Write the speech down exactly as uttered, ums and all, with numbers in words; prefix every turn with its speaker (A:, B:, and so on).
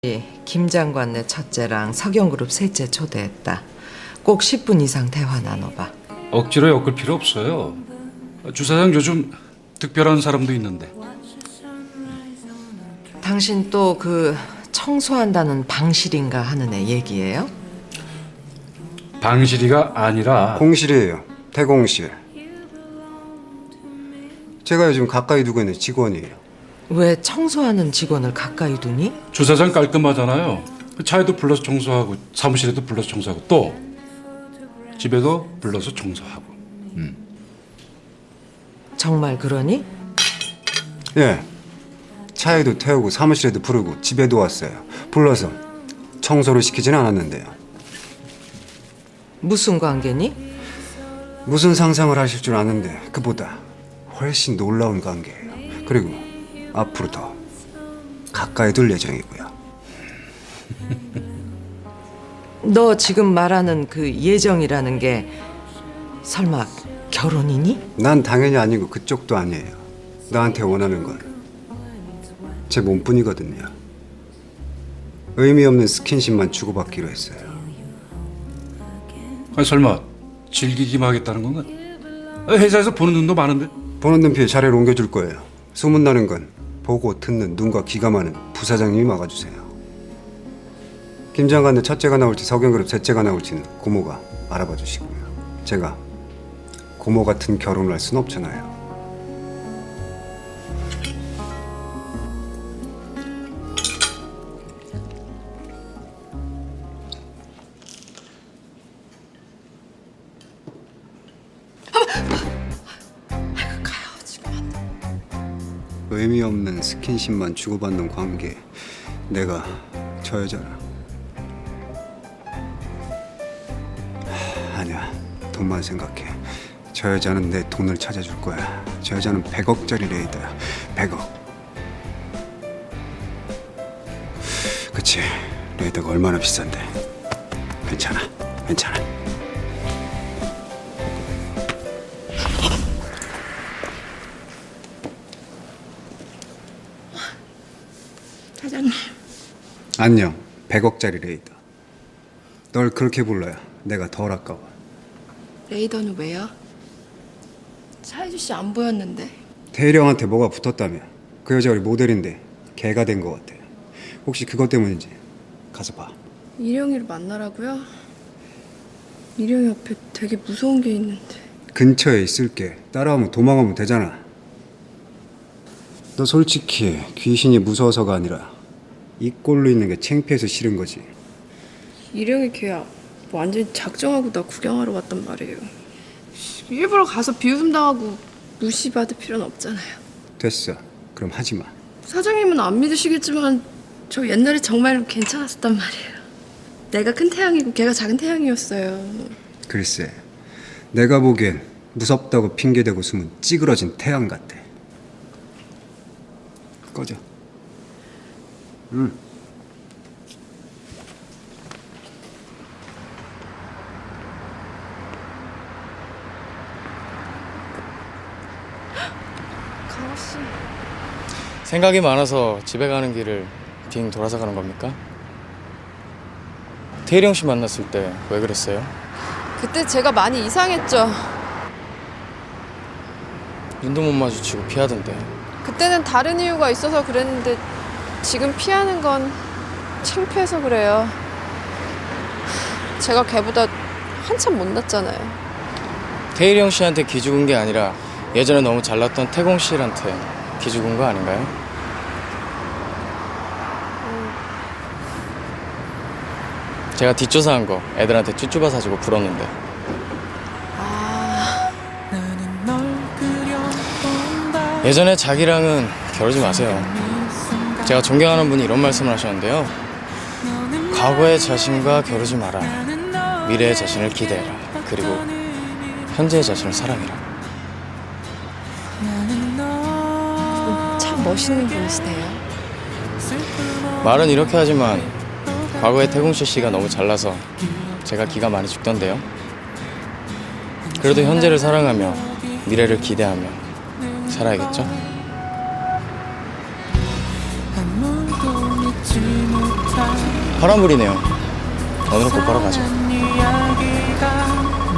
A: 김 장관네 첫째랑 석영그룹 셋째 초대했다. 꼭 십 분 이상 대화 나눠봐.
B: 억지로 엮을 필요 없어요. 주사장 요즘 특별한 사람도 있는데.
A: 당신 또 그 청소한다는 방실인가 하는 애 얘기예요?
B: 방실이가 아니라
C: 공실이에요. 대공실. 제가 요즘 가까이 두고 있는 직원이에요.
A: 왜 청소하는 직원을 가까이 두니?
B: 주사장 깔끔하잖아요. 차에도 불러서 청소하고 사무실에도 불러서 청소하고 또 집에도 불러서 청소하고. 음.
A: 정말 그러니?
C: 예. 차에도 태우고 사무실에도 부르고 집에도 왔어요. 불러서 청소를 시키진 않았는데요.
A: 무슨 관계니?
C: 무슨 상상을 하실 줄 아는데 그보다 훨씬 놀라운 관계예요. 그리고 앞으로 더 가까이 둘 예정이고요.
A: 너 지금 말하는 그 예정이라는 게 설마 결혼이니?
C: 난 당연히 아니고 그쪽도 아니에요. 나한테 원하는 건 제 몸뿐이거든요. 의미 없는 스킨십만 주고받기로 했어요.
B: 아니 설마 즐기기만 하겠다는 건가? 아, 회사에서 보는 눈도 많은데.
C: 보는 눈피에 자리를 옮겨줄 거예요. 소문나는 건 보고 듣는 눈과 귀가 많은 부사장님이 막아주세요. 김 장관의 첫째가 나올지 석영그룹 셋째가 나올지는 고모가 알아봐 주시고요. 제가 고모 같은 결혼을 할 수는 없잖아요. 의미 없는 스킨십만 주고받는 관계. 내가 저 여자랑 하, 아니야. 돈만 생각해. 저 여자는 내 돈을 찾아줄 거야. 저 여자는 백억짜리 레이더야. 백억. 그치. 레이더가 얼마나 비싼데. 괜찮아. 괜찮아.
D: 사장님.
C: 안녕. 백억짜리 레이더. 널 그렇게 불러야 내가 덜 아까워.
D: 레이더는 왜요? 사이주 씨 안 보였는데.
C: 대희령한테 뭐가 붙었다며. 그 여자 우리 모델인데 개가 된 것 같아. 혹시 그것 때문인지 가서 봐.
D: 이령이를 만나라고요? 이령이 옆에 되게 무서운 게 있는데.
C: 근처에 있을게. 따라오면 도망가면 되잖아. 너 솔직히 귀신이 무서워서가 아니라 이 꼴로 있는 게 창피해서 싫은 거지.
D: 이령이 걔야 완전히 작정하고 나 구경하러 왔단 말이에요. 일부러 가서 비웃음 당하고 무시받을 필요는 없잖아요.
C: 됐어. 그럼 하지 마.
D: 사장님은 안 믿으시겠지만 저 옛날에 정말 괜찮았었단 말이에요. 내가 큰 태양이고 걔가 작은 태양이었어요.
C: 글쎄. 내가 보기엔 무섭다고 핑계대고 숨은 찌그러진 태양 같아. 꺼져. 응.
D: 강호 씨.
E: 생각이 많아서 집에 가는 길을 빙 돌아서 가는 겁니까? 태일영 씨 만났을 때 왜 그랬어요?
D: 그때 제가 많이 이상했죠.
E: 눈도 못 마주치고 피하던데.
D: 그때는 다른 이유가 있어서 그랬는데 지금 피하는 건 창피해서 그래요. 제가 걔보다 한참 못났잖아요.
E: 태일영 씨한테 기죽은 게 아니라 예전에 너무 잘났던 태공 씨한테 기죽은 거 아닌가요?
D: 음.
E: 제가 뒷조사한 거 애들한테 쭈쭈바 사주고 불었는데.
D: 아,
E: 예전에 자기랑은 겨루지 마세요. 제가 존경하는 분이 이런 말씀을 하셨는데요. 과거의 자신과 겨루지 마라. 미래의 자신을 기대해라. 그리고 현재의 자신을 사랑해라.
D: 참 멋있는 분이시네요.
E: 말은 이렇게 하지만 과거에 태공실 씨가 너무 잘나서 제가 기가 많이 죽던데요. 그래도 현재를 사랑하며 미래를 기대하며 살아야겠죠?
F: 아무도 믿지 못하
E: 파란불이네요. 오늘은 곧바로 가죠.